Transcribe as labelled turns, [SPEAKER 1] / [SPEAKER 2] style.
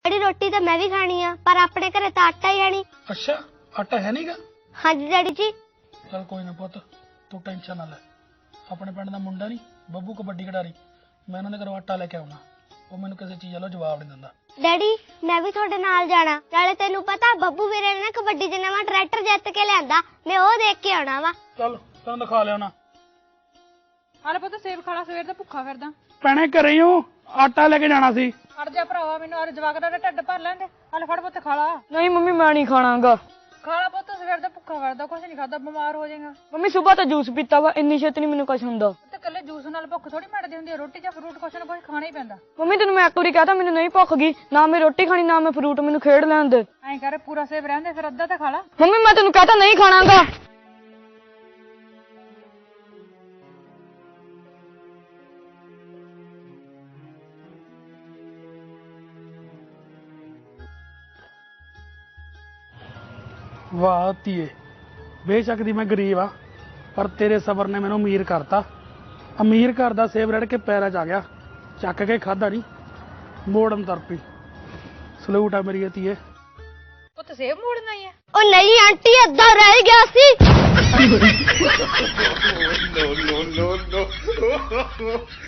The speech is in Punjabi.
[SPEAKER 1] डैडी रोटी तो मैं भी खानी है पर अपने घरे तो आटा ही है नहीं।
[SPEAKER 2] अच्छा आटा है नहींगा?
[SPEAKER 1] हाँ जी डैडी जी।
[SPEAKER 2] चल कोई ना पुੱਤ तू टेंशन ना ले। ਆਪਣੇ ਪਿੰਡ ਦਾ ਮੁੰਡਾ ਨਹੀਂ ਬੱਬੂ ਕਬੱਡੀ ਖਿਡਾਰੀ, ਮੈਂ ਉਹਨਾਂ ਦੇ ਘਰੋਂ ਆਟਾ ਲੈ ਕੇ ਆਉਣਾ। ਉਹ ਮੈਨੂੰ ਕਿਸੇ ਚੀਜ਼ ਵੱਲੋਂ ਜਵਾਬ ਨਹੀਂ ਦਿੰਦਾ।
[SPEAKER 1] डैडी मैं भी थोड़े नाल जाना, नाले तेनू पता बब्बू वीरे ने कबड्डी च नवां ट्रैक्टर जित के लियांदा, मैं ओ देख के आना वा।
[SPEAKER 2] ਚੱਲ ਤੈਨੂੰ ਦਿਖਾ ਲਿਆਉਣਾ।
[SPEAKER 3] ਹਾਲੇ ਪੁੱਤ ਸੇਬ ਖਾਲਾ, ਸਵੇਰ ਦਾ ਭੁੱਖਾ ਫਿਰਦਾ।
[SPEAKER 2] ਭੈਣੇ ਘਰੇ ਹੀ ਹੋ, ਆਟਾ ਲੈ ਕੇ ਜਾਣਾ ਸੀ।
[SPEAKER 3] ਹਟ ਜਾ ਭਰਾਵਾ, ਮੈਨੂੰ ਔਰ ਜਵਾਕ ਦਾ ਢਿੱਡ ਭਰ ਲੈਂਦੇ। ਹਾਲੇ ਫੜ ਪੁੱਤ ਖਾਲਾ।
[SPEAKER 4] नहीं मम्मी मैं नहीं खानागा।
[SPEAKER 3] ਖਾਲਾ ਪੁੱਤ, ਸਵੇਰ ਦਾ ਭੁੱਖਾ ਫਿਰਦਾ, ਕੁਛ ਨਹੀਂ ਖਾਦਾ, ਬਿਮਾਰ ਹੋ ਜਾਏਗਾ।
[SPEAKER 4] मम्मी सुबह तो जूस पीता वा, इन्नी छेती नहीं मैनू कुछ हुंदा।
[SPEAKER 3] ਤੇ ਕੱਲੇ ਜੂਸ ਨਾਲ ਭੁੱਖ ਥੋੜੀ ਮਿਟਦੀ ਹੁੰਦੀ ਹੈ, ਰੋਟੀ ਜਾਂ ਫਰੂਟ ਕੁਛ ਨਾ ਕੁਛ ਖਾਣਾ ਹੀ ਪੈਂਦਾ।
[SPEAKER 4] मम्मी तेन मैं एक बारी कहता मैनू नहीं भुख गई, ना मैं रोटी खानी ना मैं फ्रूट, मैनू खेड लैन दे।
[SPEAKER 3] ਐਂ ਕਰ ਪੂਰਾ ਸੇਬ ਰਹਿੰਦੇ, ਫਿਰ ਅੱਧਾ ਤਾਂ ਖਾਲਾ।
[SPEAKER 4] मम्मी मैं तेन कहता नहीं खानागा।
[SPEAKER 2] ਵਾਹ ਧੀਏ, ਬੇਸ਼ੱਕ ਦੀ ਮੈਂ ਗਰੀਬ ਆ ਪਰ ਤੇਰੇ ਸਬਰ ਨੇ ਮੈਨੂੰ ਅਮੀਰ ਕਰਤਾ। ਅਮੀਰ ਘਰ ਦਾ ਸੇਬ ਰੜ ਕੇ ਪੈਰਾਂ 'ਚ ਆ ਗਿਆ, ਚੱਕ ਕੇ ਖਾਦਾ ਨਹੀਂ, ਮੋੜਨ ਤਰਪੀ। ਸਲੂਟ ਆ ਮੇਰੀ ਧੀਏ।
[SPEAKER 3] ਪੁੱਤ ਸੇਬ ਮੋੜਨਾ ਹੀ ਹੈ।
[SPEAKER 1] ओ नहीं आंटी अद्धा रह गया सी।
[SPEAKER 5] no, no, no, no.